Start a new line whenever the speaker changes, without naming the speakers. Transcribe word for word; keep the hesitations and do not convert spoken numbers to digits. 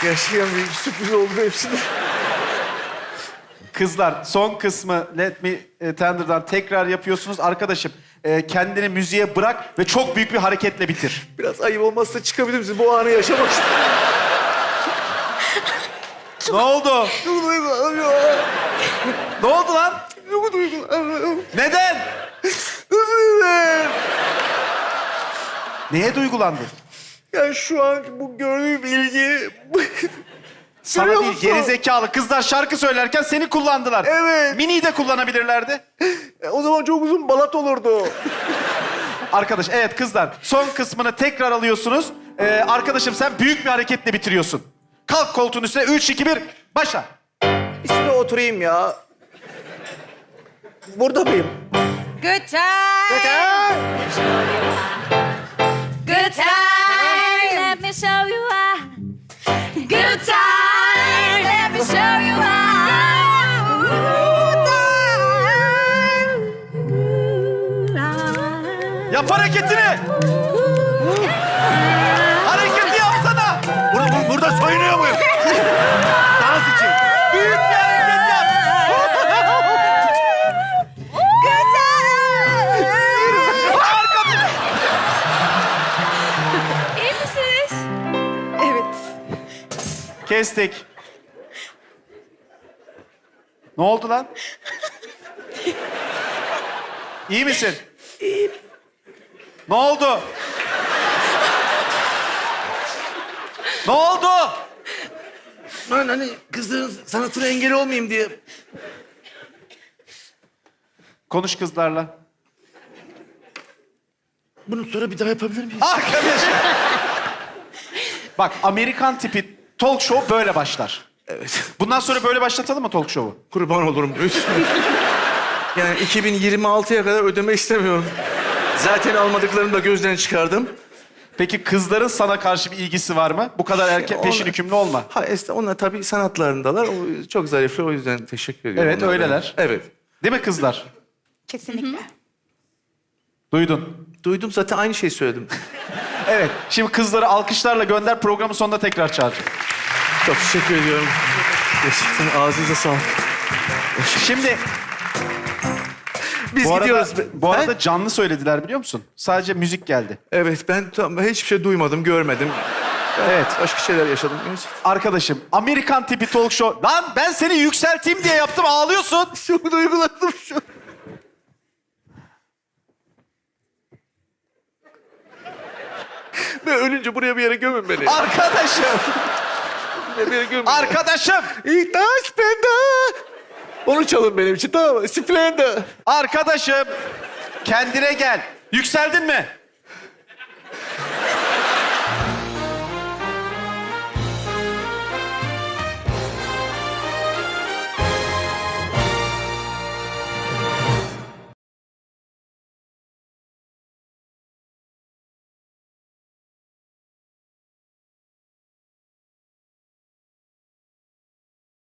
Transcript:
Gerçekten bir sürpriz oldu hepsine.
Kızlar son kısmı Let Me Tender'dan tekrar yapıyorsunuz. Arkadaşım e, kendini müziğe bırak ve çok büyük bir hareketle bitir.
Biraz ayıp olmazsa çıkabilir misin? Bu anı yaşamak istiyorum.
Ne oldu?
Çok duygulanıyorum.
Ne oldu lan?
Çok duygulanıyorum.
Neden?
Özür dilerim.
Neye duygulandın?
Ya şu an bu gördüğüm ilgi...
Sana
Görüyor
değil,
musun?
gerizekalı kızlar şarkı söylerken seni kullandılar.
Evet.
Mini'yi de kullanabilirlerdi.
E, o zaman çok uzun balat olurdu.
Arkadaş, evet kızlar. Son kısmını tekrar alıyorsunuz. Ee, arkadaşım sen büyük bir hareketle bitiriyorsun. Kalk koltuğun üstüne. Üç, iki, bir, başla.
Bir süre oturayım ya. Burada mıyım?
Good time.
Yeter!
Good time. Let me show you why. Good time. Let me show you why. Good time.
Yap hareketini. Hareketi yapsana.
Burada, bu- burada soyunuyor muyum? Dans için.
Büyük bir hareket yap.
Good time. İyi misiniz? Evet.
Kestik. Ne oldu lan? İyi misin? İyiyim. Ne oldu? Ne oldu?
Ben hani kızların sanatına engel olmayayım diye.
Konuş kızlarla.
Bunu sonra bir daha yapabilir miyiz?
Arkadaşım. Bak Amerikan tipi talk show böyle başlar.
Evet.
Bundan sonra böyle başlatalım mı talk show'u?
Kurban olurum. Yani iki bin yirmi altıya kadar ödeme istemiyorum. Zaten almadıklarını da gözden çıkardım.
Peki kızların sana karşı bir ilgisi var mı? Bu kadar erke
Onlar-
peşin hükümlü olma.
Ha işte onlar tabii sanatlarındalar. O çok zarifler, o yüzden teşekkür ediyorum.
Evet,
onlara.
öyleler.
Evet.
Değil mi kızlar?
Kesinlikle.
Duydun.
Duydum, zaten aynı şeyi söyledim.
Evet. Şimdi kızları alkışlarla gönder. Programın sonunda tekrar çağıracağım.
Çok teşekkür ediyorum. Gerçekten ağzınıza sağlık.
Şimdi
Biz
bu arada,
gidiyoruz.
bu
He?
arada canlı söylediler biliyor musun? Sadece müzik geldi.
Evet, ben tam hiçbir şey duymadım, görmedim.
Evet.
Başka şeyler yaşadım. Gerçekten.
Arkadaşım Amerikan tipi talk show. Lan ben seni yükselteyim diye yaptım ağlıyorsun.
Çok duygulandım şu an. Ben ölünce buraya bir yere gömün beni.
Arkadaşım.
Buraya bir yere gömün.
Arkadaşım.
İhtar Splenda. Onu çalın benim için, tamam mı? Splenda.
Arkadaşım. Kendine gel. Yükseldin mi?